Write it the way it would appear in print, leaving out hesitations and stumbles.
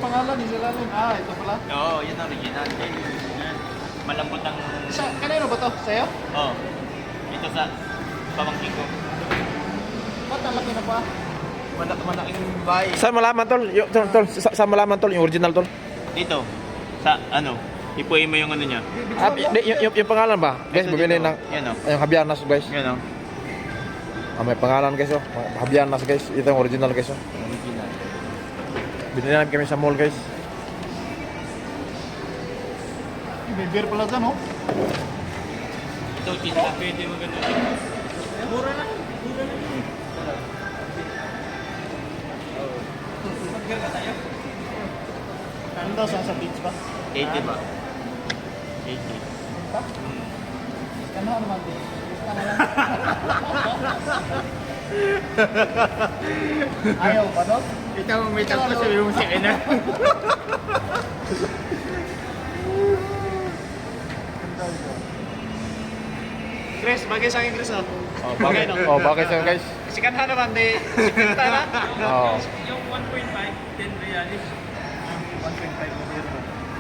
pangalan ni Silalim. Ah, ito pala. Oo, yun ang original. Yan. Malambot ang... Kanino ba to? Sa'yo? Oo. Ito sa pamangkin ko. Ba't ang laki na pa? Malaking bahay. Saan malaman tol? Tol, saan malaman tol yung original tol? Dito. Sa ano? Ipuin mo yung ano niya. Yung pangalan ba? Guys, Ito bumili dito. ng Yan o. yung Habianas guys. Yan o. May pangalan guys oh. Habianas guys. Ito yung original guys oh. Original. Binili namin kami sa mall guys. May beer pala dyan, oh. Ito, chinta. Pwede mo ganun. Mura lang. Mag-beer ka tayo? Ano daw sa beach ba? 80 ba? 80. Pa? Ano naman din? Ano lang? Ayaw ba doon? Ito, may tapos sabi mo si Ena. Chris, bagay sa akin, Chris, oh. Oh, bakit? Oh, bakit sa'yo guys? Sikanhan naman, di. Sikanhan na. Oh. Yung 1.5, 10 reais. 1.5 na beer.